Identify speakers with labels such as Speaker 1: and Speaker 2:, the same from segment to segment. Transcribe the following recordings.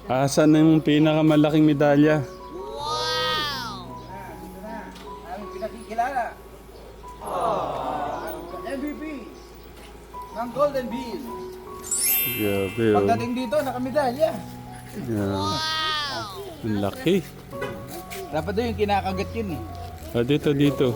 Speaker 1: Asan na yung pinakamalaking medalya?
Speaker 2: Aming pinakikilala. MVP ng Golden Bean.
Speaker 1: Grabe, oh.
Speaker 2: Pagdating dito, nakamedalya.
Speaker 1: Yeah. Ang laki.
Speaker 2: Dapat doon yung kinakagat yun eh.
Speaker 1: Ah, dito.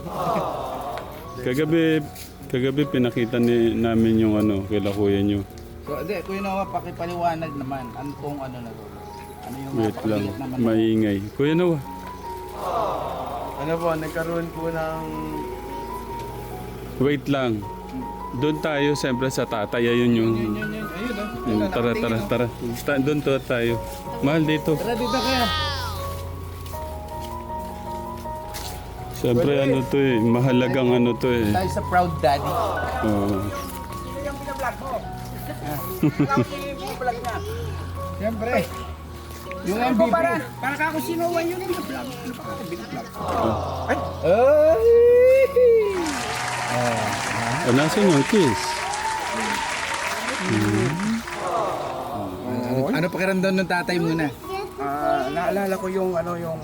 Speaker 1: Kagabi pinakita namin yung ano, kila kuya nyo.
Speaker 2: So, hindi, Kuya Noah, pakipaliwanag naman. Ano tong ano na to? Ano yung
Speaker 1: Wait lang,
Speaker 2: napakaliit naman?
Speaker 1: maingay. Kuya Noah.
Speaker 3: Ano po, nagkaroon po ng...
Speaker 1: Wait lang. Doon tayo, siyempre sa tatay. Ayun yung...
Speaker 2: Yun. Ayun, oh.
Speaker 1: Tara. Doon tayo. Mahal dito.
Speaker 2: Tara dito kaya.
Speaker 1: Siyempre ano to eh. Mahalagang ano to eh.
Speaker 2: Tayo sa Proud Daddy.
Speaker 1: Oo.
Speaker 2: Sino yung pinablog mo? Ikaw yung vlog niya. Siyempre. Yung MVP. Para ka kung sinuwan yun yung vlog. Ano pa ka binablog? Ay!
Speaker 1: Nasaan yung kiss?
Speaker 2: Ano pakiramdam ng tatay muna?
Speaker 3: naalala ko yung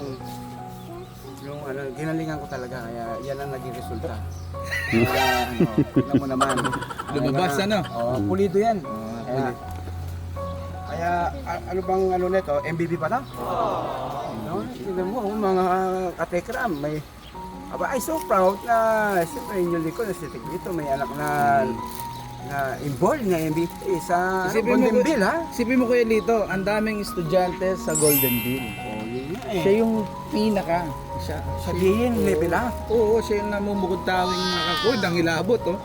Speaker 3: ginalingan ko talaga, kaya yan ang naging resulta. Tingnan mo naman.
Speaker 2: Lumabas ano?
Speaker 3: Pulido yan. Kaya ano bang nito, MVP pa na? No? Tingnan mo, mga katekram, may I'm so proud na siyempre yung likod na si Tigrito, may anak na involved na MVP sa Golden Bill, ha?
Speaker 2: Sipin mo Kuya Lito, ang daming estudyante sa Golden Bill. Siya yung pinaka.
Speaker 3: Sabihin, level ha?
Speaker 2: Oo, siya yung namumukod tawing nakakod, ang ilabot, oh.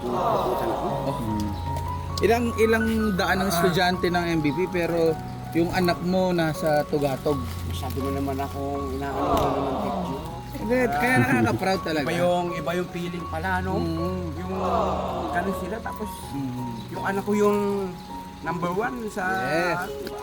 Speaker 2: Ilang daan ng estudyante ng MVP, pero yung anak mo nasa Tugatog.
Speaker 3: Sabi mo naman akong inaano mo naman picture.
Speaker 2: Kaya nakaka-proud talaga.
Speaker 3: Iba yung feeling pala, no? Yung ganun sila, tapos yung anak ko yung number 1 sa...
Speaker 2: Yes.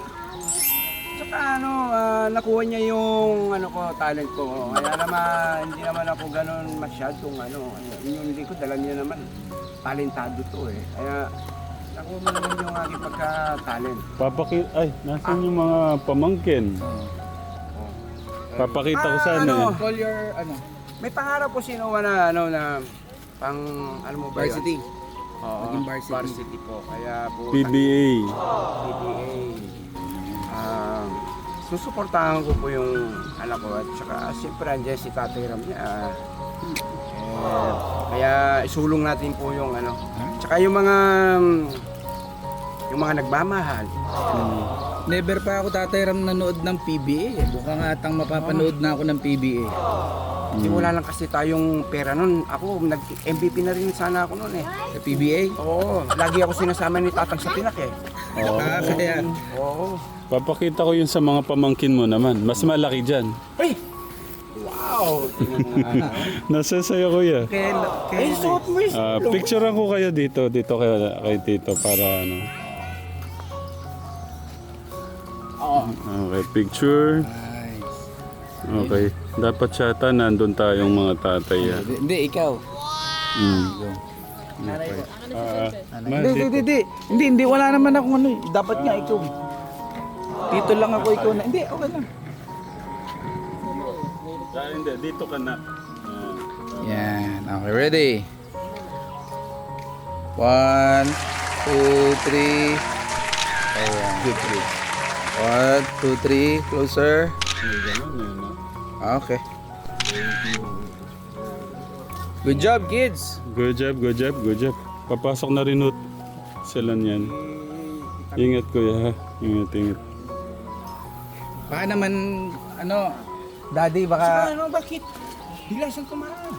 Speaker 3: Saka nakuha niya yung talent ko. Kaya naman, hindi naman ako ganun masyadong yung likod, dala niya naman. Talentado to eh. Kaya nakuha mo naman yung aking pagka-talent.
Speaker 1: Nasaan yung mga pamangkin? Papakita ko sana eh.
Speaker 2: Call your,
Speaker 3: May pangarap ko sinuwa na pang mo ba yun?
Speaker 2: varsity.
Speaker 3: Oo,
Speaker 2: Naging varsity.
Speaker 3: varsity po. Kaya po
Speaker 1: PBA.
Speaker 3: PBA. Susuportahan ko po yung anak ko at saka siyempre andyan si Tatay Ram niya. Kaya isulong natin po yung Tsaka yung mga nagmamahal.
Speaker 2: Never pa ako Tatay Ram nanood ng PBA. Buka nga atang mapapanood na ako ng PBA.
Speaker 3: Kasi wala lang kasi tayong pera nun. Ako, nag-MVP na rin sana ako nun eh.
Speaker 2: Sa PBA?
Speaker 3: Oo, lagi ako sinasama ni Tatang sa Pinak eh.
Speaker 2: Kaya,
Speaker 3: Oo.
Speaker 1: Papakita ko yun sa mga pamangkin mo naman. Mas malaki dyan.
Speaker 3: Ay! Wow!
Speaker 1: Nasa sa'yo kuya.
Speaker 3: Ay, suot mo yung
Speaker 1: Picturean ko kayo dito kay Tito para ano. Okay, picture.
Speaker 2: nice.
Speaker 1: Okay. Dapat siyata nandun tayong mga tatay.
Speaker 2: Hindi, ikaw. Hindi, wala naman akong Dapat nga ikaw. Dito lang ako ikaw na. Hindi, okay lang.
Speaker 1: Hindi, dito ka na.
Speaker 2: Yan, okay, ready? 1, 2, 3. Ayan, good, good. 1, 2, 3, closer. Okay. Good job, kids.
Speaker 1: Good job. Papasok na rin sila niyan. Ingat kuya ha. Ingat.
Speaker 2: Baka naman, daddy, baka...
Speaker 3: bakit? Bigla siyang tumara.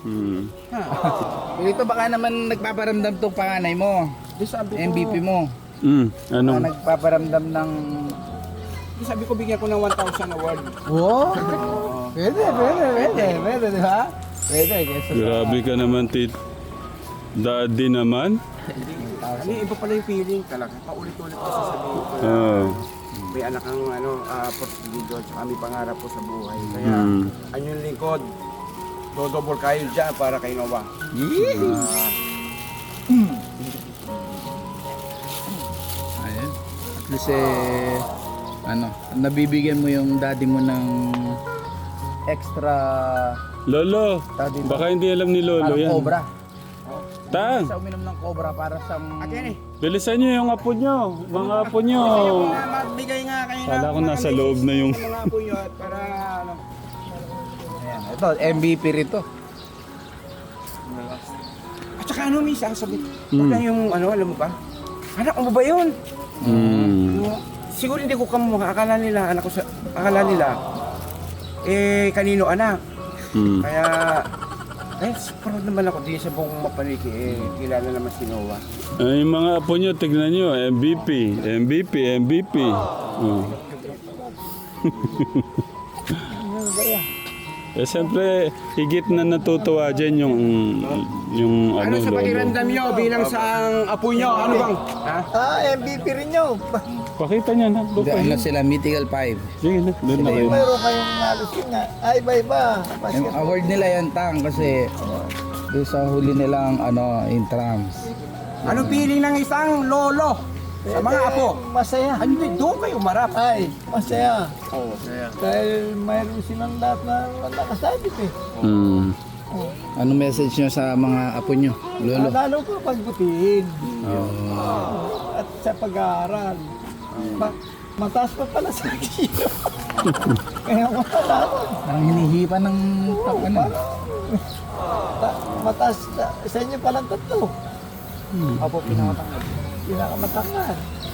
Speaker 2: Ito baka naman nagpaparamdam tong panganay mo.
Speaker 3: Sabi ko,
Speaker 2: MVP mo.
Speaker 1: Ano?
Speaker 2: Baka nagpaparamdam ng...
Speaker 3: sabi ko bigyan ko ng 1,000 award.
Speaker 2: Wow! Pwede, di ba? Pwede, kasi
Speaker 1: Grabe ka naman, Daddy naman.
Speaker 3: Iba pala yung feeling talaga. Paulit-ulit ko sasabihin ko. May anak ang portfolio at saka may pangarap ko sa buhay. Kaya yung lingkod, dodobol kayo dyan para kay Noah.
Speaker 2: Ayun. At least ano, nabibigyan mo yung daddy mo ng extra
Speaker 1: Lolo,
Speaker 2: Daddy,
Speaker 1: baka hindi alam ni Lolo
Speaker 2: parang
Speaker 1: yan.
Speaker 2: cobra.
Speaker 1: Tang,
Speaker 2: Sa uminom ng cobra para sa
Speaker 3: Akin eh.
Speaker 1: bilisan nyo yung apo nyo. Mga apo nyo.
Speaker 3: Magbigay nga kayo
Speaker 1: Kala ko nasa loob na yung...
Speaker 3: mga apo nyo at para ano.
Speaker 2: Ayan, ito, MVP rito.
Speaker 3: At saka ano, may sasabit. Baka yung ano, alam mo ba? Anak mo ba yun? Siguro hindi ko kamukha. Akala nila, kanino anak. Kaya, proud naman ako di sa buong Mapaniki. Kilala naman si Noah.
Speaker 1: Ay, mga apo nyo, tignan nyo. MVP. Oh. Eh, siyempre, higit na natutuwa dyan yung
Speaker 3: Ano sa
Speaker 1: Lolo.
Speaker 3: pakiramdam nyo bilang sa apo nyo? Ano bang? Ha?
Speaker 4: MVP rin nyo.
Speaker 1: Pakita niya na. Doon
Speaker 2: Ano
Speaker 1: kayo.
Speaker 2: sila, Mythical 5.
Speaker 1: Sige na, doon na kayo.
Speaker 4: Mayroon kayong halos yun nga. Ay, iba-iba.
Speaker 2: Yung
Speaker 4: Basket.
Speaker 2: award nila yan, Tang, kasi doon sa huli nilang intrams.
Speaker 3: Anong feeling ng isang lolo sa mga apo?
Speaker 4: Masaya.
Speaker 3: Ano yun? Doon kayo marap.
Speaker 4: Ay, masaya.
Speaker 3: Oo, saya.
Speaker 4: Dahil mayroon silang lahat na nakasabit eh.
Speaker 2: Ano message nyo sa mga apo nyo, Lolo?
Speaker 4: Lalo ko pagbutihin. At sa pag-aaral. Mataas pa pala sa kilo. Kaya matalaman.
Speaker 2: Parang hinihipa ng ano.
Speaker 4: Mataas sa inyo palang tatlo. Apo pinakamatangad. Pinakamatangad.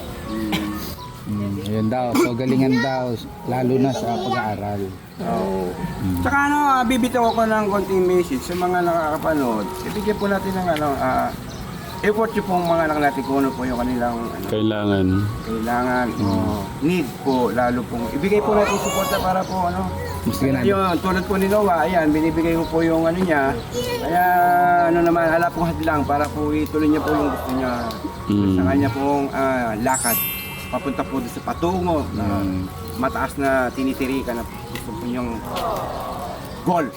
Speaker 2: Yun daw, pagalingan daw, lalo na sa pag-aaral.
Speaker 3: Tsaka ano, bibitaw ko ng konting message sa mga nakakapanood. Ibigyan po natin ng effort yung pong mga anak natin kung ano po yung kanilang
Speaker 1: Kailangan.
Speaker 3: kailangan o need po, lalo pong ibigay po natin suporta para po
Speaker 2: Mas ganun.
Speaker 3: yun, tulad po ni Noah, ayan, binibigay ko po yung ano niya. Kaya ano naman, hala pong hadlang para po ituloy niya po yung gusto niya. Sa kanya pong lakad. Papunta po doon sa patungo na mataas na tinitirikan na gusto po niyang goal.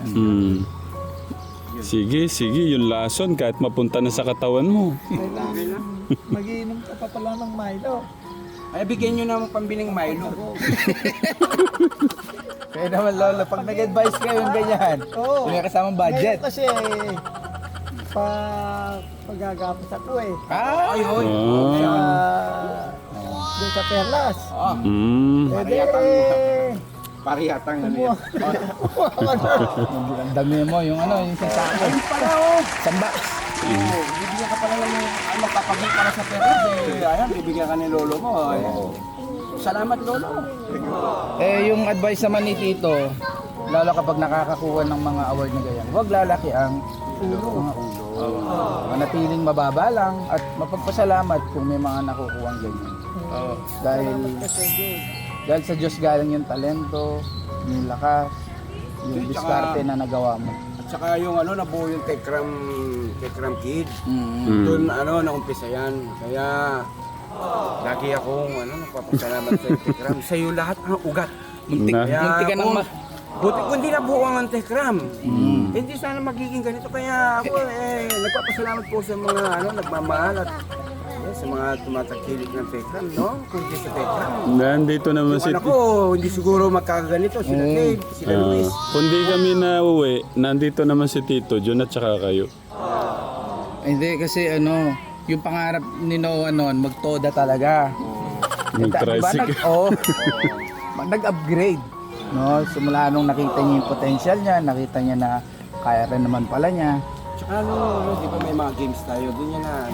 Speaker 1: Sige, yung lason kahit mapunta na sa katawan mo.
Speaker 4: Kailangan mag-iinom ka pa pala ng Milo.
Speaker 3: Ay, bigyan niyo ng pambiling Milo.
Speaker 2: Kaya naman, Lolo, pag nag-advise kayo yung ganyan,
Speaker 4: Oo.
Speaker 2: may kasamang budget.
Speaker 4: Ngayon kasi, pagagapos ako eh.
Speaker 3: Ayun.
Speaker 4: Doon sa Perlas. Pwede
Speaker 3: Pariyatang ano yan.
Speaker 2: Ang dami mo, yung yung isang sako.
Speaker 3: Para oh.
Speaker 2: Samba.
Speaker 3: Bibigyan ka pala ng magpapagay para sa Perlas eh. Ayan, bibigyan ka ni lolo mo. Salamat lolo.
Speaker 2: Yung advice naman ni Tito, lalo kapag nakakakuha ng mga award na ganyan, huwag lalaki ang mga ulo. Manatiling mababa lang at mapagpasalamat kung may mga nakukuha ng ganyan. Dahil sa Diyos galing yung talento, yung lakas, yung diskarte na nagawa mo.
Speaker 3: At saka yung nabuo yung Tekram Kid. Doon naumpisa yan. Kaya lagi akong nagpapasalamat sa Tekram. Sa iyo lahat ang ugat.
Speaker 2: Muntik ka ng
Speaker 3: Buti kung hindi nabuo ang Tekram. Hindi sana magiging ganito. Kaya ako nagpapasalamat po sa mga nagmamahal at sa mga tumatagkilik ng Tekram, no? Kung hindi sa Tekram.
Speaker 1: Nandito naman si...
Speaker 3: Yung anak ko, hindi siguro magkakaganito. Sila Dave, sila Luis.
Speaker 1: Kundi kami na uwi, nandito naman si Tito, John at saka kayo.
Speaker 2: Hindi kasi yung pangarap ni Noah noon, magtoda talaga.
Speaker 1: Mag-tricycle.
Speaker 2: Nag-upgrade. No, simula nung nakita niya yung potential niya, nakita niya na kaya rin naman pala niya.
Speaker 3: Tsaka di ba may mga games tayo, doon yan na,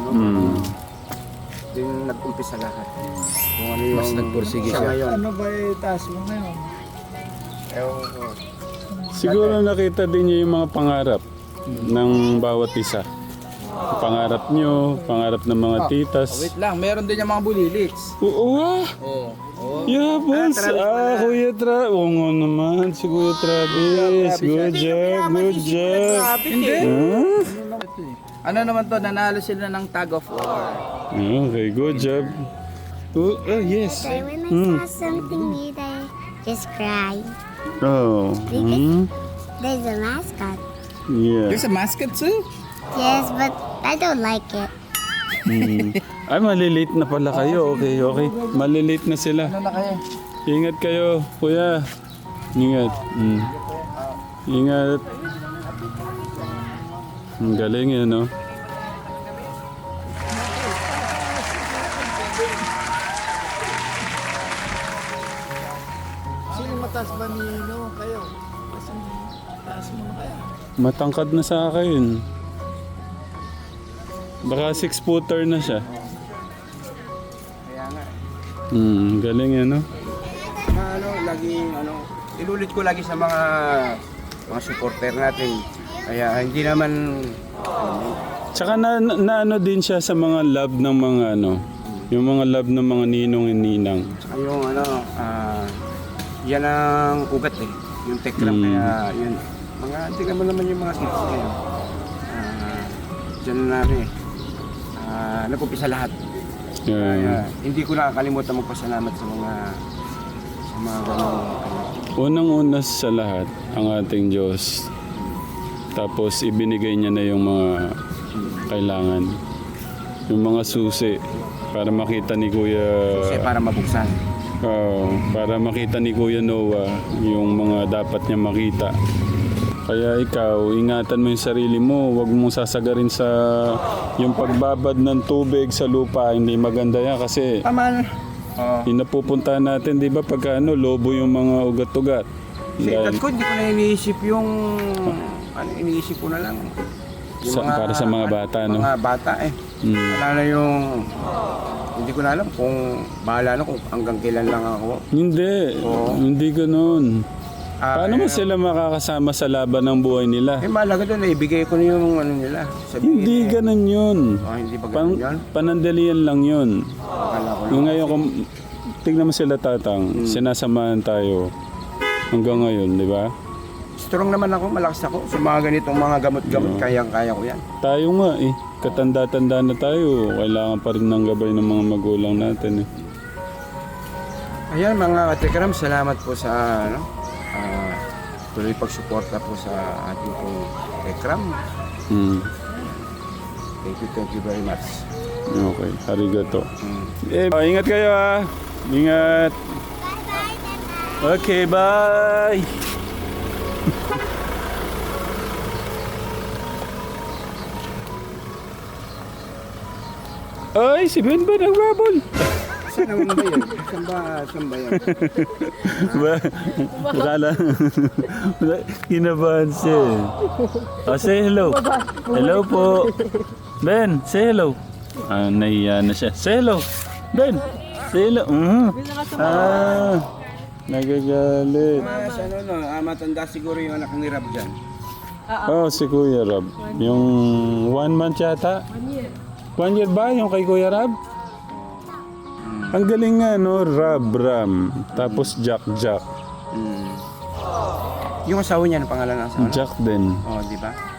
Speaker 3: doon nag-umpisa lahat. Kung ano yung...
Speaker 2: Mas nagpursige siya.
Speaker 3: ngayon.
Speaker 4: Ano ba taas mo ngayon?
Speaker 3: Ewan ko.
Speaker 1: Siguro nakita din niya yung mga pangarap ng bawat isa. Pangarap nyo, pangarap ng mga titas.
Speaker 2: Wait lang, meron din yung mga bulilits.
Speaker 1: Oo nga! Yeah, boss. Kuya Travis. Oo nga naman, si Kuya Travis. Good job.
Speaker 2: Hindi.
Speaker 1: Huh?
Speaker 2: Ano naman to, nanalo sila ng tag of war.
Speaker 1: Okay, good job. Oh, yes.
Speaker 5: So when I saw something new, I just cry.
Speaker 1: Oh.
Speaker 5: There's a mascot.
Speaker 1: Yeah.
Speaker 2: There's a mascot too?
Speaker 5: Yes, but I don't like it.
Speaker 1: Ay, malilate na pala kayo. Okay, okay. Malilate na sila.
Speaker 2: Ano na kayo?
Speaker 1: Ingat kayo, kuya. Ingat. Ingat. Ang galing yun, no?
Speaker 4: Sino mataas ba ni kayo? Kasi taas mo na kaya.
Speaker 1: Matangkad na sa akin. Baka 6-footer na siya.
Speaker 3: Kaya nga.
Speaker 1: Galing yan, no?
Speaker 3: Na ano, laging ano, inulit ko lagi sa mga supporter natin. Kaya hindi naman
Speaker 1: Tsaka na ano din siya sa mga love ng mga ano, yung mga love ng mga ninong and ninang.
Speaker 3: yung ano, yan ang ugat eh. Yung tekram kaya yun. Mga, tingnan mo naman yung mga kids ngayon. Diyan na namin eh. Nag-upisa lahat. Kaya hindi ko nakakalimutan magpasalamat sa mga ganong
Speaker 1: Unang-una sa lahat, ang ating Diyos. Tapos ibinigay niya na yung mga kailangan. Yung mga susi para makita ni Kuya...
Speaker 3: kasi para mabuksan.
Speaker 1: para makita ni Kuya Noah yung mga dapat niya makita. Kaya ikaw, ingatan mo yung sarili mo. Huwag mong sasagarin sa yung pagbabad ng tubig sa lupa. Hindi maganda yan kasi
Speaker 3: Tama na.
Speaker 1: yung napupuntahan natin, di ba, pagka lobo yung mga ugat-ugat.
Speaker 3: Sa edad ko, hindi ko na iniisip yung... iniisip ko na lang. Yung
Speaker 1: Para sa mga bata, no?
Speaker 3: Mga bata eh. Wala na yung... Hindi ko na alam kung bahala na kung hanggang kailan lang ako.
Speaker 1: Hindi.
Speaker 3: Oo.
Speaker 1: Hindi ganun. Paano mo sila makakasama sa laban ng buhay nila?
Speaker 3: Eh, mahalaga doon, ibigay ko na yung ano nila. Sabihin,
Speaker 1: Hindi ganun yun.
Speaker 3: hindi ba ganun yun?
Speaker 1: Panandalian lang yun.
Speaker 3: Akala ko
Speaker 1: Yung ngayon, kung tignan mo sila tatang, sinasamahan tayo hanggang ngayon, di ba?
Speaker 3: strong naman ako, malakas ako. Sa mga ganitong mga gamot-gamot, kayang-kaya ko yan.
Speaker 1: Tayo nga eh, katanda-tanda na tayo. Kailangan pa rin ng gabay ng mga magulang natin eh.
Speaker 3: Ayan mga katikram, salamat po sa tuloy pagsuporta po sa ating pong Tekram. Thank you very much.
Speaker 1: Okay, arigato. Ingat kayo ah. Ingat. Okay, bye. Ay, si Ben ba nagbabol?
Speaker 3: Saan naman ba yun? Saan ba yan?
Speaker 1: Akala, kinabahan siya. Oh, say hello. Hello po. Ben, say hello. Nahiya na siya. Say hello. Ben, say hello. Nagagalit.
Speaker 3: Sa ano, no? Matanda siguro yung anak ni Rab dyan.
Speaker 1: Oh, si Kuya Rab. Yung 1 month yata. 1 year ba yung kay Kuya Rab? Ang galing nga, no? Rab, Ram. Tapos Jack.
Speaker 3: Yung asawa niya, ang pangalan ng asawa?
Speaker 1: Jack din.
Speaker 3: Oh, di ba?